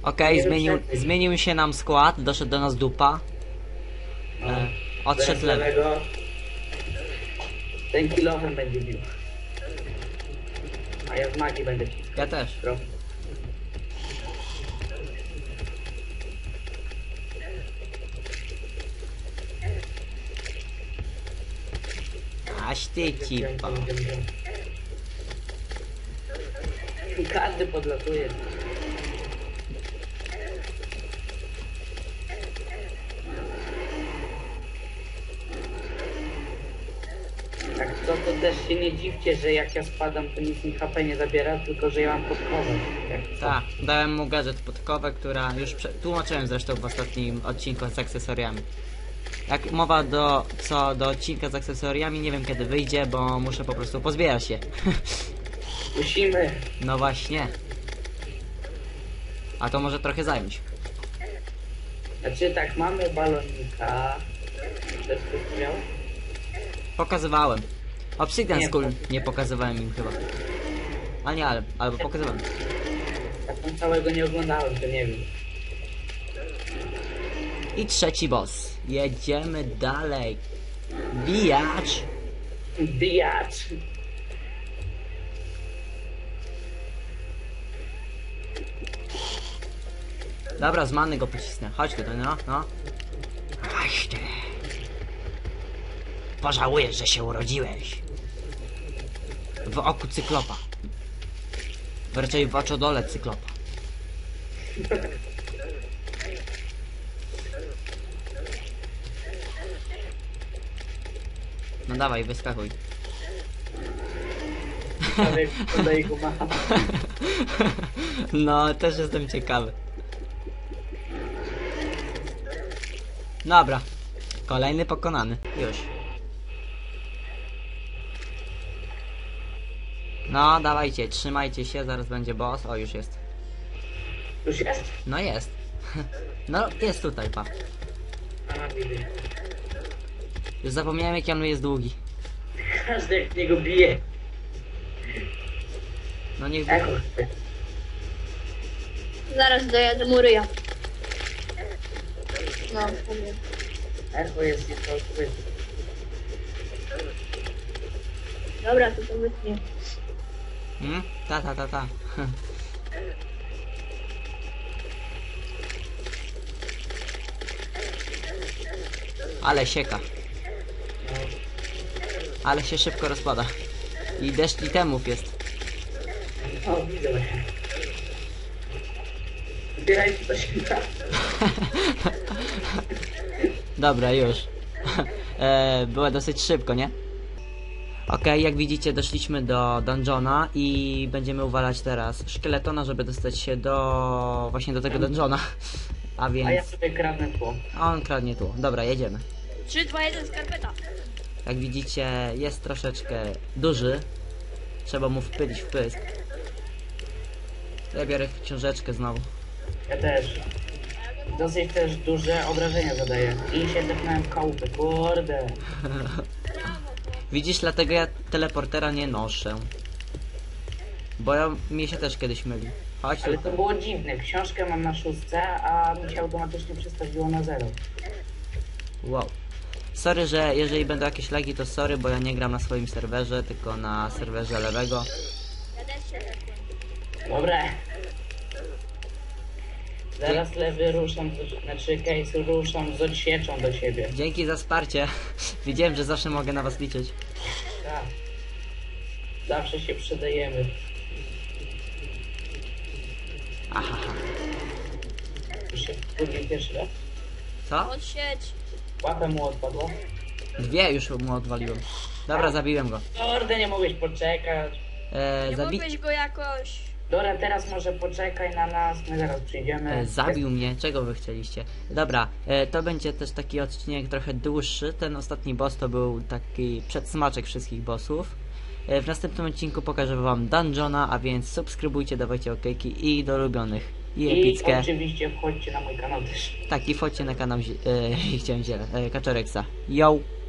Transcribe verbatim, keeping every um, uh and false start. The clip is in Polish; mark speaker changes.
Speaker 1: Okej, okay, zmienił, zmienił się nam skład, doszedł do nas dupa.
Speaker 2: No.
Speaker 1: E, odszedł lewy.
Speaker 2: lewego. Ten kilofem będzie bił. A ja z magii będę ci.
Speaker 1: Ja też.
Speaker 2: Pro.
Speaker 1: Aś ty cipa.
Speaker 2: Każdy podlatuje. Tak to, to też się nie dziwcie, że jak ja spadam, to nic mi H P nie zabiera, tylko że ja mam podkowę.
Speaker 1: Tak, dałem mu gadżet podkowę, która już prze... tłumaczyłem zresztą w ostatnim odcinku z akcesoriami. Jak mowa do co do odcinka z akcesoriami, nie wiem kiedy wyjdzie, bo muszę po prostu pozbierać się.
Speaker 2: Musimy.
Speaker 1: No właśnie. A to może trochę zająć.
Speaker 2: Znaczy tak, mamy balonika. Też ktoś miał?
Speaker 1: Pokazywałem. Obsidian
Speaker 2: Nie,
Speaker 1: Skull nie pokazywałem im chyba. A nie, ale, albo pokazywałem.
Speaker 2: Jak tam całego nie oglądałem, to nie wiem.
Speaker 1: I trzeci boss. Jedziemy dalej. Bijacz.
Speaker 2: Bijacz.
Speaker 1: Dobra, z many go pocisnę. Chodź tutaj, no, no. Chodź ty. Pożałujesz, że się urodziłeś. W oku cyklopa. Raczej w oczodole cyklopa. No dawaj, wyskakuj. No, też jestem ciekawy. Dobra. Kolejny pokonany. Już. No, dawajcie, trzymajcie się, zaraz będzie boss. O, już jest.
Speaker 2: Już jest?
Speaker 1: No jest. No, jest tutaj, pa.
Speaker 2: A, widzę.
Speaker 1: Już zapomniałem, jak on jest długi.
Speaker 2: Każdy jak w niego bije.
Speaker 1: No niech...
Speaker 2: Echo.
Speaker 3: Zaraz dojadę mu ryja. No, powiem.
Speaker 2: Echo jest nieco.
Speaker 3: Dobra, to to wytnie.
Speaker 1: Hmm? Ta, ta, ta, ta. Ale sieka. Ale się szybko rozpada. I deszcz itemów jest.
Speaker 2: O, widzę. Zbierajcie to się da.
Speaker 1: Dobra, już. e, było dosyć szybko, nie? Okej, okay, jak widzicie, doszliśmy do dungeona i będziemy uwalać teraz szkieletona, żeby dostać się do... właśnie do tego dungeona. A więc...
Speaker 2: A ja sobie kradnę tło.
Speaker 1: A on kradnie tu. Dobra, jedziemy.
Speaker 3: trzy, dwa, jeden, skarpeta.
Speaker 1: Jak widzicie, jest troszeczkę duży. Trzeba mu wpylić w pysk. Ja biorę książeczkę znowu.
Speaker 2: Ja też. Dosyć też duże obrażenia zadaję. I się tepnąłem w kałupę, kurde.
Speaker 1: Widzisz, dlatego ja teleportera nie noszę. Bo ja, mi się też kiedyś myli. Chodź
Speaker 2: Ale
Speaker 1: tutaj.
Speaker 2: to było dziwne. Książkę mam na szóstce, a mi się automatycznie przestawiło na zero.
Speaker 1: Wow. Sorry, że jeżeli będą jakieś lagi, to sorry, bo ja nie gram na swoim serwerze, tylko na serwerze lewego.
Speaker 3: Ja też się tepłem.
Speaker 2: Dobra. Zaraz lewy ruszam, z- znaczy case ruszam z odsieczą do siebie.
Speaker 1: Dzięki za wsparcie. Wiedziałem, że zawsze mogę na was liczyć.
Speaker 2: Tak. Zawsze się przydajemy.
Speaker 1: Aha.
Speaker 2: Już się wkurwił pierwszy raz.
Speaker 1: Co?
Speaker 3: Odsieć.
Speaker 2: Łapę mu odpadło.
Speaker 1: Dwie już mu odwaliłem. Dobra, zabiłem go.
Speaker 2: Kurde, nie mogłeś poczekać.
Speaker 1: E,
Speaker 3: Nie
Speaker 1: zabi
Speaker 3: mogłeś go jakoś...
Speaker 2: Dobra, teraz może poczekaj na nas, my zaraz przyjdziemy.
Speaker 1: e, zabił mnie. Czego wy chcieliście? Dobra, e, to będzie też taki odcinek trochę dłuższy. Ten ostatni boss to był taki przedsmaczek wszystkich bossów. E, w następnym odcinku pokażę wam dungeona, a więc subskrybujcie, dawajcie okejki i do ulubionych. I
Speaker 2: I
Speaker 1: epickie.
Speaker 2: oczywiście wchodźcie na mój kanał też.
Speaker 1: Tak, i wchodźcie na kanał, zi- e, chciałem ziele, e, Kaczoreksa. Yo!